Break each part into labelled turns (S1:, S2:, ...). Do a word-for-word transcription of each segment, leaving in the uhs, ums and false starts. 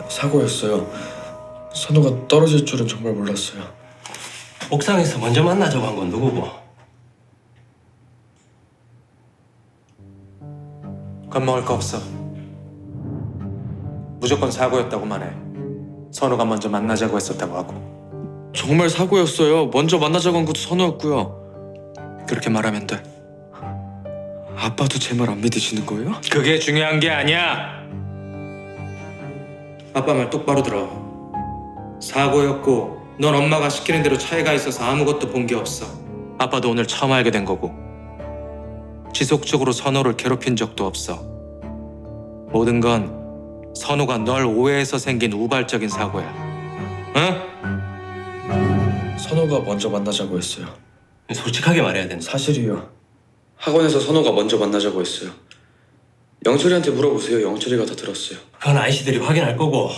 S1: 사고였어요. 선우가 떨어질 줄은 정말 몰랐어요.
S2: 옥상에서 먼저 만나자고 한 건 누구고?
S3: 겁먹을 거 없어. 무조건 사고였다고만 해. 선우가 먼저 만나자고 했었다고 하고.
S1: 정말 사고였어요. 먼저 만나자고 한 것도 선우였고요.
S3: 그렇게 말하면 돼.
S1: 아빠도 제 말 안 믿으시는 거예요?
S3: 그게 중요한 게 아니야. 아빠 말 똑바로 들어. 사고였고 넌 엄마가 시키는 대로 차에 가 있어서 아무것도 본 게 없어. 아빠도 오늘 처음 알게 된 거고. 지속적으로 선우를 괴롭힌 적도 없어. 모든 건 선우가 널 오해해서 생긴 우발적인 사고야. 응?
S1: 선우가 먼저 만나자고 했어요.
S2: 솔직하게 말해야 된다.
S1: 사실이요. 학원에서 선우가 먼저 만나자고 했어요. 영철이한테 물어보세요. 영철이가 다 들었어요.
S2: 그건 아이씨들이 확인할 거고.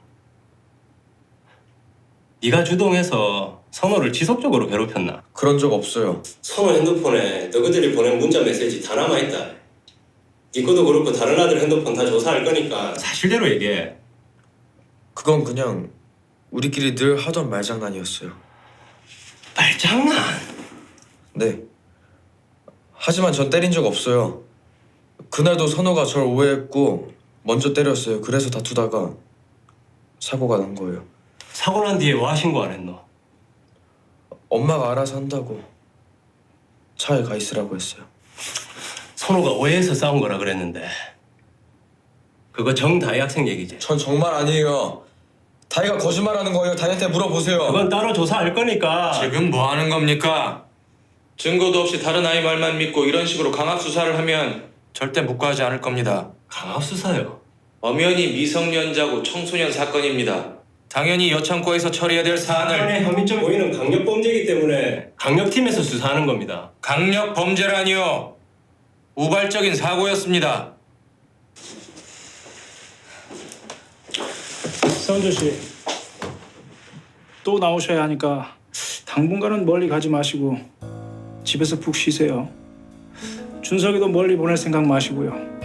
S2: 네가 주동해서 선호를 지속적으로 괴롭혔나?
S1: 그런 적 없어요.
S2: 선호 핸드폰에 너희들이 보낸 문자 메시지 다 남아있다. 네 것도 그렇고 다른 아들 핸드폰 다 조사할 거니까 사실대로 얘기해.
S1: 그건 그냥 우리끼리 늘 하던 말장난이었어요.
S2: 말장난?
S1: 네. 하지만 전 때린 적 없어요. 그날도 선우가 절 오해했고 먼저 때렸어요. 그래서 다투다가 사고가 난 거예요.
S2: 사고 난 뒤에 와 신고 안 했노?
S1: 엄마가 알아서 한다고 차에 가 있으라고 했어요.
S2: 선호가 오해해서 싸운 거라 그랬는데 그거 정다희 학생 얘기지?
S1: 전 정말 아니에요. 다이가 거짓말하는 거예요. 다이한테 물어보세요.
S2: 그건 따로 조사할 거니까.
S3: 지금 뭐 하는 겁니까? 증거도 없이 다른 아이 말만 믿고 이런 식으로 강압 수사를 하면 절대 묵과하지 않을 겁니다.
S2: 강압 수사요?
S3: 엄연히 미성년자고 청소년 사건입니다. 당연히 여창고에서 처리해야 될 사안을
S2: 사안의 혐의점이 보이는 강력범죄이기 때문에 강력팀에서 수사하는 겁니다.
S3: 강력 범죄라니요. 우발적인 사고였습니다.
S4: 서은조 씨, 또 나오셔야 하니까 당분간은 멀리 가지 마시고 집에서 푹 쉬세요. 준석이도 멀리 보낼 생각 마시고요.